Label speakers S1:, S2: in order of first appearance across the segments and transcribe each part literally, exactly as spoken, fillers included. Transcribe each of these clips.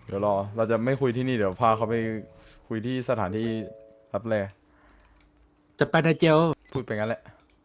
S1: เดี๋ยวรอเราจะไม่คุยที่นี่เดี๋ยวพาเขาไปคุยที่สถานที่รับแล
S2: จะไปในเจล
S1: พูดไปงั้นแหละ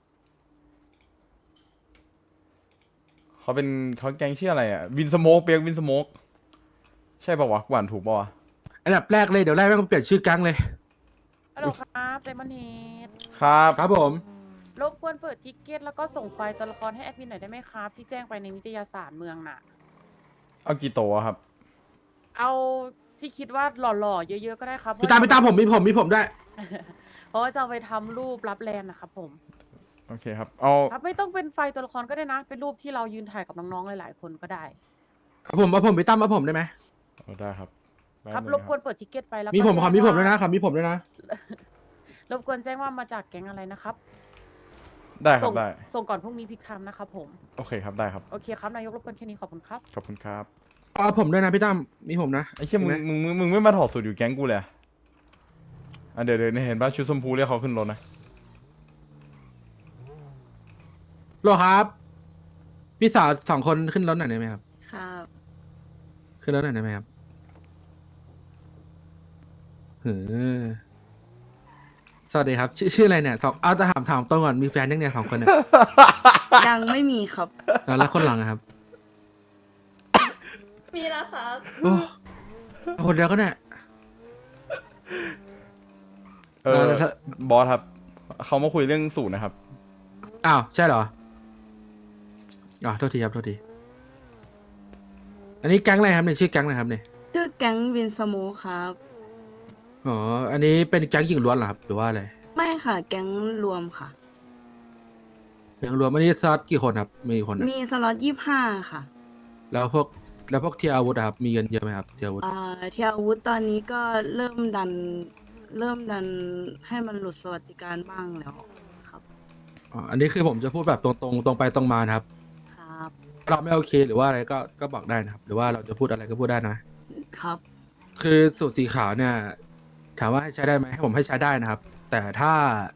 S1: เขาเป็นเขาแก๊งชื่ออะไรอ่ะวินสโมกเปียกวินสโมกใช่ป่าวะกวนถูกป่าวะ
S2: อันดับแรกเลยเดี๋ยวแรกแม่งเปลี่ยนชื่อแก๊งเลย
S3: ฮัลโหลครับไดมอนเฮด
S1: ครับ
S2: ครับผม
S3: รบกวนเปิดทิกเก็ตแล้วก็ส่งไฟล์ตัวละครให้แอดมินหน่อยได้ไหมครับ ที่แจ้งไปในวิทยาศาสตร์เมืองน่ะ
S1: เอากี่โตวอะครับ
S3: เอาที่คิดว่าหล่อๆ เยอะๆ ก็ได้ครับ
S2: พี่ตามพี่ตามผมมีผมมีผมได้วย
S3: เพราะว่าจะเอาไปทำรูปรับแลนนะครับผม
S1: โอเคครับเอา
S3: ครับไม่ต้องเป็นไฟล์ตัวละครก็ได้นะ เป็นรูปที่เรายืนถ่ายกับน้องๆ หลายๆ คนก็ได้
S2: เอาผมเอาผมพี่ตามเอาผมได้ไหม
S1: เอาได้ครับ
S3: ครับ
S1: แป๊
S3: ร
S1: นึ
S3: บ
S1: ง
S3: กวนเปิดทิกเก็ตไปแล้วก็
S2: มีผมขอมีผมด้วย
S3: แจ้ง
S2: นะขอมีผมด้วยนะ
S3: รบกวนแจ้งว่ามาจากแก๊งอะไรนะครับ
S1: ได้ครั
S3: ส่
S1: บ
S3: ง
S1: ได้
S3: ส่งก่อนพรุ่งนี้พิกไทม์นะครับผม
S1: โอเคครับได้ครับ
S3: โอเคครับนายกรบกวนแค่นี้ขอบคุณครับ
S1: ขอบคุณครับ
S2: เอาผมด้วยนะพี่ตามมีผมนะ
S1: ไอ้เชี่ยมึง
S2: ห็นไห
S1: มึงมึงมึงไม่มาถอดสูตรอยู่แก๊งกูเลยอะอ่ะเดี๋ยวเดี๋ยวเห็นป่ะชุดชมพูเรียกเขาขึ้นรถนะ
S2: โลครับ พี่สาวสองคนขึ้นรถหน่อยได้ไหมครับ
S4: ครับ
S2: ขึ้นรถหน่อยได้ไหมครับเออสวัสดีครับ ชื่อชื่ออะไรเนี่ยสองเอาแต่ถามถามตรงก่อนมีแฟนยังเนี่ยสองคนเนี่ย
S4: ยังไม่มีครับ
S2: แล้วแล้วคนหลังอะครับ
S4: มีแล้วครับ
S2: โอ้คนเดียวก็เนี่ย
S1: เออ
S2: แล้วถ้า
S1: บอสครับเขามาคุยเรื่องสูตรนะครับ
S2: อ้าวใช่เหรออ๋อโทษทีครับโทษทีอันนี้แก๊งอะไรครับเนี่ยชื่อแก๊งอะไรครับเนี่ย
S4: ชื่อแก๊งวินสโมครับ
S2: อ๋ออันนี้เป็นแก๊งหญิงล้วนเหรอครับหรือว่าอะไร
S4: ไม่ค่ะ แก๊งรวมค่ะ
S2: แก๊งรวมอันนี้ซอสกี่คนครับมีกี่คนอะ
S4: มีสล็อตยี่ห้าค่ะ
S2: แล้วพวกแล้วพวกเทียร์อาวุธอะครับมีเงินเยอะไหมครับเทียร์อาวุธ
S4: อ่าเทียอาวุธตอนนี้ก็เริ่มดัน เริ่มดันให้มันหลุดสวัสดิการบ้างแล้วครับ
S2: อ๋ออันนี้คือผมจะพูดแบบตรงตรงตรงไปตรงมานะครับ
S4: ครับ
S2: เราไม่โอเคหรือว่าอะไรก็ก็บอกได้นะครับ หรือว่าเราจะพูดอะไรก็พูดได้นะ
S4: ครับ
S2: คือสูตรสีขาวเนี่ย ถามว่าให้ใช้ได้ไหมให้ผมให้ใช้ได้นะครับ แต่ถ้า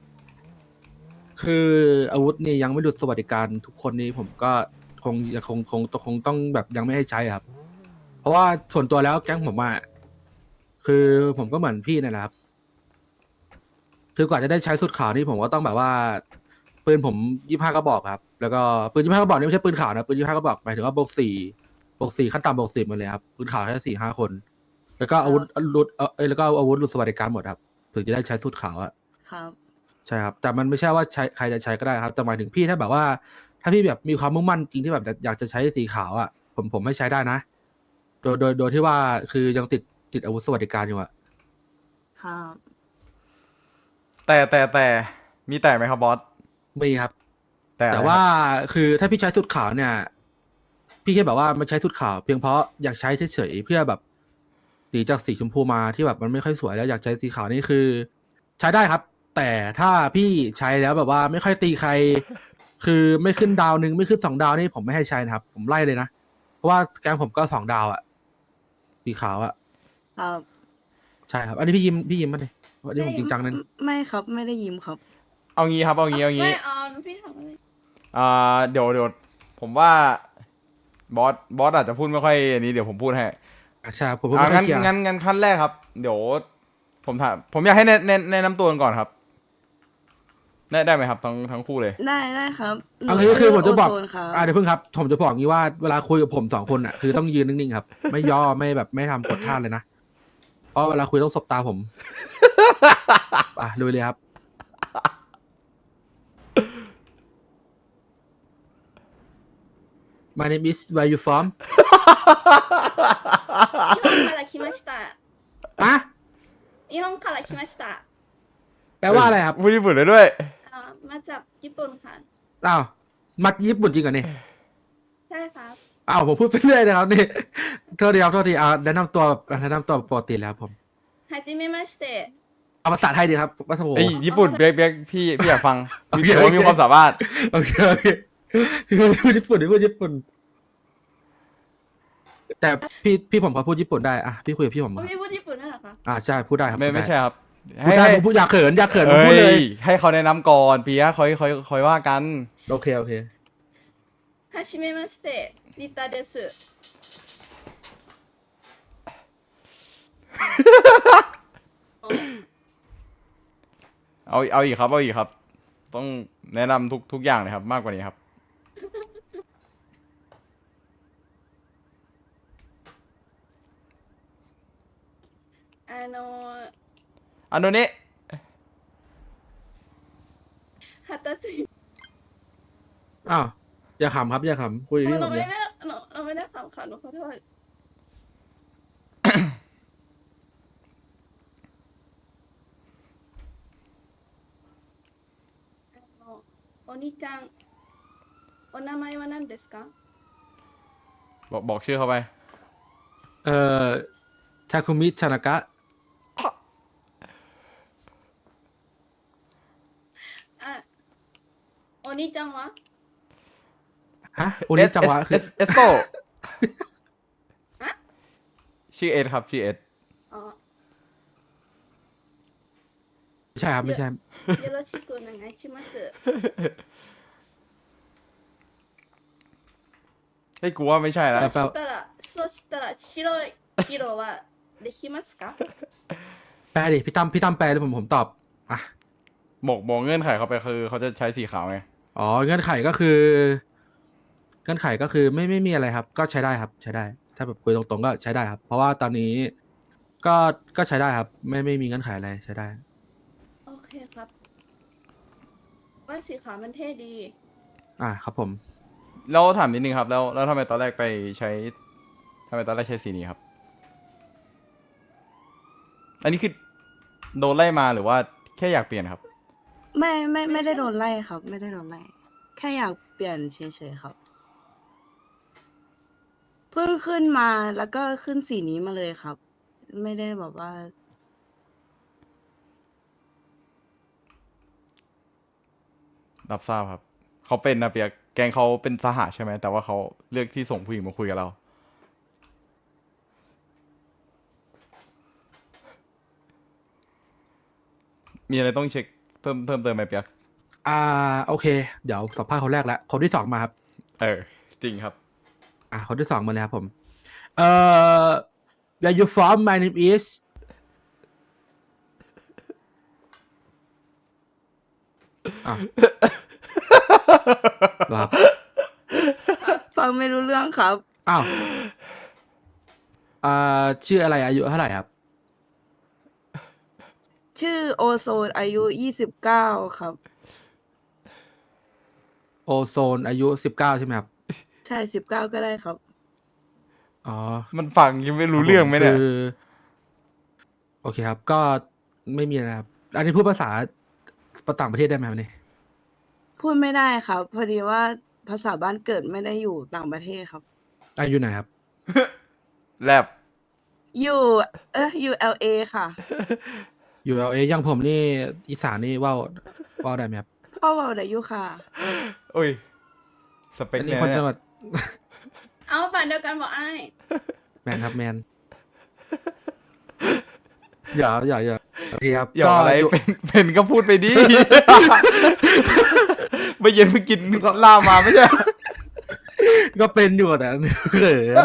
S2: คืออาวุธนี่ยังไม่หลุดสวัสดิการทุกคนนี้ผมก็คงยังคงคงคงต้องแบบยังไม่ให้ใช้ครับ เพราะว่าส่วนตัวแล้วแก๊งผมอะคือผมก็เหมือนพี่นั่นแหละครับ คือกว่าจะได้ใช้สุดขาวนี่ผมก็ต้องแบบว่าปืนผมยี่ห้ากระบอกครับ แล้วก็ปืนยี่ห้ากระบอกนี่ไม่ใช่ปืนขาวนะปืนยี่ห้ากระบอกหมายถึงว่าบวกสี่บวกสี่ขั้นต่ำบวกสิบหมดเลยครับปืนขาวแค่สี่ห้าคน แล้วก็อาวุธหลุดเออเอ้ยแล้วก็อาวุธหลุดสวัสดิการหมดครับถึงจะได้ใช้สุดขาวอะ
S4: ครับ
S2: ใช่ครับแต่มันไม่ใช่ว่าใช้ใครจะใช้ก็ได้ครับแต่หมายถึงพี่ถ้าแบบว่า ถ้าพี่แบบมีความมุ่งมั่นจริงที่แบบอยากจะใช้สีขาวอะผมผมให้ใช้ได้นะ โดยโดยโดยที่ว่าคือยังติดติดอาวุธสวัสดิการอยู่อะ
S4: ครับ
S1: แต่แต่แต่มีแต่ไหมครับบอส
S2: มีครับ
S1: แต่อะไร
S2: แต่
S1: ครับ
S2: ว่าคือถ้าพี่ใช้ทุดขาวเนี่ย พี่แค่แบบว่ามันใช้ทุดขาว เพียงเพราะอยากใช้เฉยๆเพื่อแบบหนีจากสีชมพูมาที่แบบมันไม่ค่อยสวยแล้วอยากใช้สีขาวนี่คือ ใช้ได้ครับ แต่ถ้าพี่ใช้แล้วแบบว่าไม่ค่อยตีใคร คือไม่ขึ้นดาวหนึ่งไม่ขึ้นสองดาวนี่ผมไม่ให้ใช้นะครับ ผมไล่เลยนะเพราะว่าแกงผมก็สองดาวอะสีขาวอะ
S4: ครับ
S2: ใช่ครับ อันนี้พี่ยิ้มพี่ยิ้มมาเลยอันนี้ผมจริงจังนั่น
S4: ไม่ครับ ไม่ได้ยิ้มครับ
S1: เอางี้ครับเอางี้เอางี้
S5: ไม่เอาพี่ทำอะไร
S1: อ่าเดี๋ยวเดี๋ยวผมว่าบอสบอสอาจจะพูดไม่ค่อยอันนี้เดี๋ยวผมพูดให้
S2: อ่ะใช่ผมพูด
S1: อ่า
S2: ไม่ค่อ
S1: งั้
S2: ย
S1: น
S2: เคลียร์
S1: งั้นงั้นขั้นแรกครับ เดี๋ยวผมถามผมอยากให้แนะแนะแนะนำตัวกันก่อนครับได้ได้ไหมครับทั้งทั้งคู่เลย
S4: ได้ได้ครับหนู
S2: อันนี้คือผมจะบอก
S4: โโซนครับ
S2: อ่าเดี๋ยวเพิ่งครับ ผมจะบอกงี้ว่าเวลาคุยกับผมสองคนอ่ะ คือต้องยืนนิ่งๆครับ ไม่ย่อไม่แบบไม่ทำกดท่าเลยนะ เพราะเวลาคุยต้องสบตาผม อ่ะลุยเลยครับ My name is where you from
S5: 日本から来ました
S2: อะ
S5: 日本から来ました
S2: แปลว่าอะไรครับ
S1: พูดญี่ปุ่นได้ด้วย
S5: อ่ามาจากญี่ปุ่นค่ะ
S2: อ้าวมัดญี่ปุ่นจริงเหรอเนี่ย
S5: ใช่ครับ
S2: อ้าวผมพูดไปเรื่อยนะครับนี่โทษทีครับโทษทีอ่าแนะนำตัวแบบแนะนำตัวปกติแล้วครับผม
S5: はじめまして
S2: เอาภาษาไทยดีครับวัฒโธ
S1: ไอ้ยญี่ปุ่นเปียกเปียกพี่พี่อยากฟัง
S2: โอ
S1: มี
S2: เค
S1: ผมว่า
S2: โอเค
S1: มีความสามารถ
S2: โอเคโอเคพี่พูดญี่ปุ่นพี่พูดญี่ปุ่น แต่พี่พี่ผมเขาพูดญี่ปุ่นได้อ่ะพี่คุยกับพี่ผม
S5: พี่พูดญี่ปุ่นด้วยเหรอคะ
S2: อ่าใช่พูดได้ครับ
S1: ไม่
S2: พูดด้
S1: ไม่ใช่ครับ
S2: พูดได้ผมพูดอยากเขินอยากเขินผม
S1: เอ้
S2: พูดเลย
S1: ยให้เขาแนะนำก่อนปียะคอยคอยคอยว่ากัน
S2: โอเคโอเค
S5: はじめましてリタです
S1: เอาเอาอีกครับเอาอีกครับ ต้องแนะนำทุกทุกอย่างเลยครับ มากกว่านี้ครับ
S5: あの
S1: อันโนนี้
S5: 二十歳
S2: อ้าวอย่าขำครับอย่าขำคุย
S5: ห
S2: ที่
S5: นู
S2: ผม
S5: ไม่
S2: เลย
S5: ได้หนูหนูไม่ได้ขำค่ะหนูขอโทษあのお兄ちゃんお名前は何ですか
S1: บอกบอกชื่อเขาไป
S2: เอ่อทาคุมิชานากะ
S5: あお兄ちゃんは
S2: ฮะโอนิจังวะคือ
S1: เอสเอสโซชื่อเอสครับชื่อเอส
S5: あ
S2: ไม่ใช่ครับไม่ใช่
S5: よろしくお願いします
S1: เฮ้ยกูว่าไม่ใช่แล้ว
S5: そしたらそしたら白い色はできますか
S2: แปลดิพี่ตั้มพี่ตั้มแปลแล้วผมผมตอบอ่ะ
S1: บอกบอกเงื่อนไขเขาไปคือเขาจะใช้สีขาวไง
S2: อ๋อเงื่อนไขก็คือเงื่อนไขก็คือไม่ไม่มีอะไรครับ ก็ใช้ได้ครับ ใช้ได้ ถ้าแบบคุยตรงๆก็ใช้ได้ครับ เพราะว่าตอนนี้ก็ก็ใช้ได้ครับ ไม่ไม่มีเงื่อนไขอะไรใช้ได้
S5: โอเคครับว่าสีขาวมันเท่ดี
S2: อ่ะครับผม
S1: แล้วถามนิดนึงครับ แล้วแล้วทำไมตอนแรกไปใช้ทำไมตอนแรกใช้สีนี้ครับ อันนี้คือโดนไล่มาหรือว่าแค่อยากเปลี่ยนครับ
S4: ไม่ไม่
S5: ไม่
S4: ไม่ได้
S5: ใช่
S4: โดนไล่ครับ ไม่ได้โดนไล่ แค่อยากเปลี่ยนเฉยๆครับ เพิ่งขึ้นมาแล้วก็ขึ้นสีนี้มาเลยครับ ไม่ได้แบบว่า
S1: รับทราบครับ เขาเป็นนะเปียกแกงเขาเป็นสหะใช่ไหม แต่ว่าเขาเลือกที่ส่งผู้หญิงมาคุยกับเรา มีอะไรต้องเช็คเพิ่มเพิ่มเติมไหมเปียก
S2: อ่าโอเค เดี๋ยวสัมภาษณ์คนแรกแล้วคนที่สองมาครับ
S1: เออ จริงครับ
S2: อ่ะคนที่สองมาเลยครับผมเอ่อ where you from my name is อ่ะเหรอครับ
S4: ฟังไม่รู้เรื่องครับ
S2: อ้าวอ่าชื่ออะไรอายุเท่าไหร่ครับ
S4: ชื่อโอโซนอายุยี่สิบเก้าครับ
S2: โอโซนอายุสิบเก้าใช่ไหมครับ
S4: ใช่สิบเก้าก็ได้ครับ
S2: อ๋อ
S1: มันฟังยังไม่รู้เรื่องไหมเนี่ย
S2: คือโอเคครับ ก็ไม่มีนะครับ อันนี้พูดภาษาต่างประเทศได้ไหมครับนี่
S4: พูดไม่ได้ครับ พอดีว่าภาษาบ้านเกิดไม่ได้อยู่ต่างประเทศครับ
S2: อายุไหนครับ
S1: แลบ
S4: อยู่เอ้ยอยู่ แอล เอ ค่ะ
S2: อยู่เออยังผมนี่อีสานนี่เว่าเว่าได้ไหมครับ
S4: พ่อเว่าได้อยู่ค่ะ
S1: อุ้ย สเปค
S2: อัน
S1: เนี่
S2: นี้
S1: ย
S2: คนจังห
S1: เนี่ย
S2: วัด
S5: เอาฝันเดียวกันบอกไอ้าย
S2: แมนครับแมนอย่าอย่าอย่าโอเคครับ
S1: อย่าอะไร
S2: ยู่
S1: เป็นเป็นก็พูดไปดิ เมื่อเย็นเพิ่งกินลาบมาไม่ใช่
S2: ก็เป็นอยู่แต่เขิน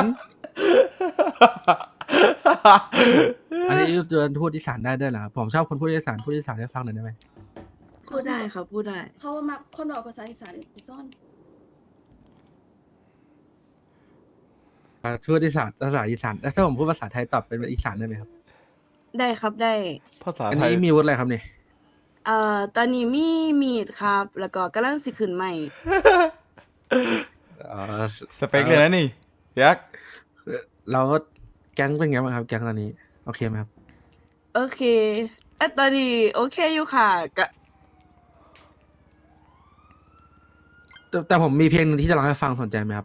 S2: อันนี้เดินพูดอีสานได้ด้วยเหรอครับผมชอบคนพูดอีสานพูดอีสานให้ฟังหน่อยได้ไหม
S4: พูดได้ครับ พูดได้
S5: เขามาคนบอกภาษาอีสานอีกต้น
S2: อ่าพูดอีสานภาษาอีสานแล้วถ้าผมพูดภาษาไทยตอบเป็นอีสานได้ไหมครับ
S4: ได้ครับได้
S1: ภาษา
S2: อัน
S1: ไทย
S2: นี้มีวุฒิอะไรครับเนี่ย
S4: เอ่อตอนนี้มีมีดครับ แล้วก็กำลังสิขึ้นใหม่
S2: อ๋อ
S1: สเปคเลยนะนี่ยักษ์
S2: เราก็แก๊งเป็นไงบ้างครับ แก๊งตอนนี้โอเคไหมครับ
S4: โอเคเอยตอนนี้โอเคอยู่ค่ะกะ
S2: แต่แต่ผมมีเพลงหนึงที่จะร้องให้ฟังสนใจไหมครับ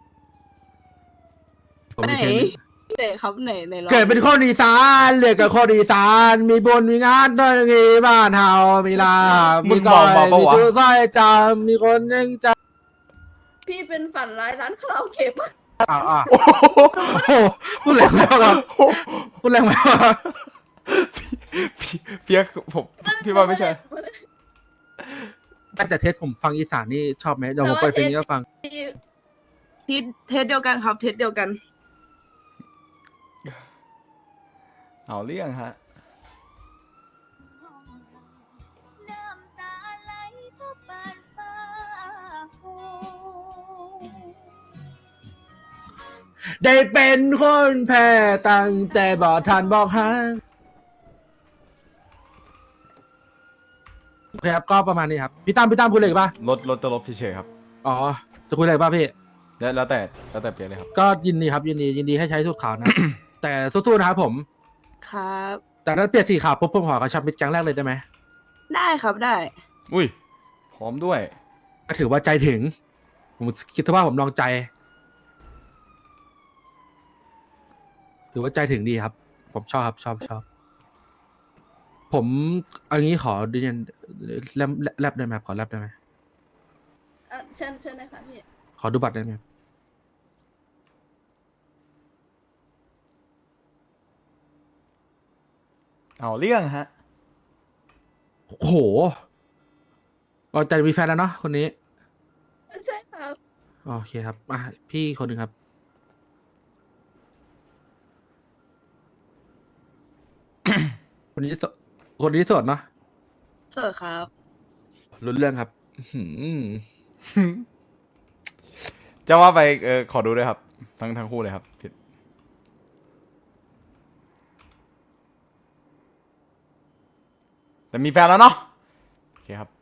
S2: ผม
S4: ไหน
S2: มีเพลงหนึ่ง
S4: ไหนครับไหนไหนลอง
S2: เกิดเป็นคนอีสานเรียกกับคนอีสานมีบุญมีงานด้วยงี้บ้านเฮามีลาบ
S1: มึ
S2: มี
S1: ง
S2: ก้อย
S1: บอกมาปะ
S2: มี
S1: วะ
S2: ตู้สร้อยจามมีคนยังจ
S5: พี่เป็นฝันร้ายร้านคาราโอเกะปะ
S2: ำอ่าอ่าโอ้โหพูดแรงมากครับพูดแรงมากครับ
S1: พี่เปียกผมพี่ว่าไม่ใช่
S2: แต่เทสผมฟังอีสานนี่ชอบไหมเดี๋ยวผมเปิดเพลงนี้ก็ฟัง
S4: ทิศเทสเดียวกันครับ เทสเดียวกัน
S1: เอาเรื่องฮะ
S2: ได้เป็นคนแพ้ตั้งแต่บอกทันบอกหาโอเคครับก็ประมาณนี้ครับพี่ตั้มพี่ตั้มคุยอะไรอีกป่ะ
S1: รถรถจะลบเฉยๆครับ
S2: อ๋อจะคุยอะไรป่ะพี่
S1: แล้วแล้วแต่แล้วแต่เปลี่ยนเลยครับ
S2: ก็ยินดีครับยินดียินดีให้ใช้สูตรขาวนะ แต่สู้ๆนะครับผม
S4: ครับ
S2: แต่ถ้าเปลี่ยนสีขาวปุ๊บผมขอกระชับมิตรแก๊งแรกเลยได้ไหม
S4: ได้ครับได้
S1: อุ้ยพร้อมด้วย
S2: ก็ถือว่าใจถึง ผมคิดว่าผมลองใจ ถือว่าใจถึงดีครับ ผมชอบครับชอบชอบ ผมเอันนี้ขอดิเนแลบแลบได้ไหมครับขอแลบได้ไหม
S5: เอ่อเชิญเชิญเลยค่ะพี่
S2: ขอดูบัตรได้ไหมครับ
S1: เอาเรื่องฮะ
S2: โอ้โหเราแต่มีแฟนแล้วเนาะคนนี้
S5: ใช่ครับ
S2: โอเคครับอ่ะพี่คนหนึ่งครับ คนนี้โสคนนี้โสดเนาะ
S4: สวัสดีครับ
S2: รุนเรื่องครับอื้อหือ
S1: จะว่าไปเออขอดูด้วยครับ ทั้งทั้งคู่เลยครับผิดแต่มีแฟนแล้วเนาะโอเคครับ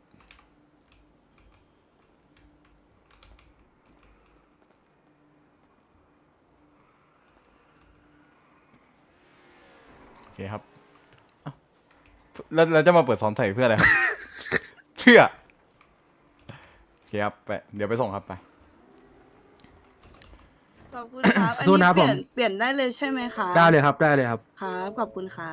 S1: โอเคครับเอ้าแล้วแล้วจะมาเปิดซ้อนใส่เพื่ออะไรครับ เพื่อโอเคครับไปเดี๋ยวไปส่งครับไป
S4: ขอบคุณครับ อัน
S2: สู้
S4: นี้
S2: นะครับ
S4: เปลี่ย
S2: ผ
S4: น
S2: ม
S4: เปลี่ยนได้เลยใช่ไหมคะ
S2: ได้เลยครับได้เลยครับ
S4: ครับ ขอบคุณครับ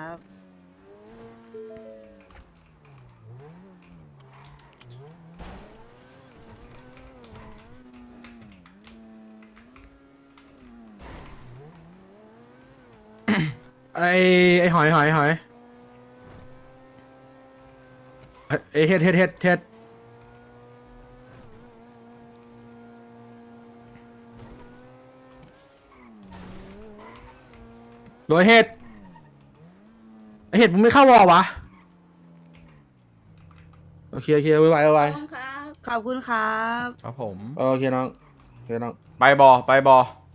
S2: ไอไอหอยหอยหอยไอเฮ็ดเฮ็ดเฮ็ดเฮ็ดโดยเฮ็ดไอเฮ็ดมึงไม่เข้าวอวะโอเคโอเคไวไวไว
S5: พร้อมครับ
S4: ขอบคุณครับ
S1: ครับผม
S2: โอเคน้องโอเคน้อง
S1: ไปบอไปบอ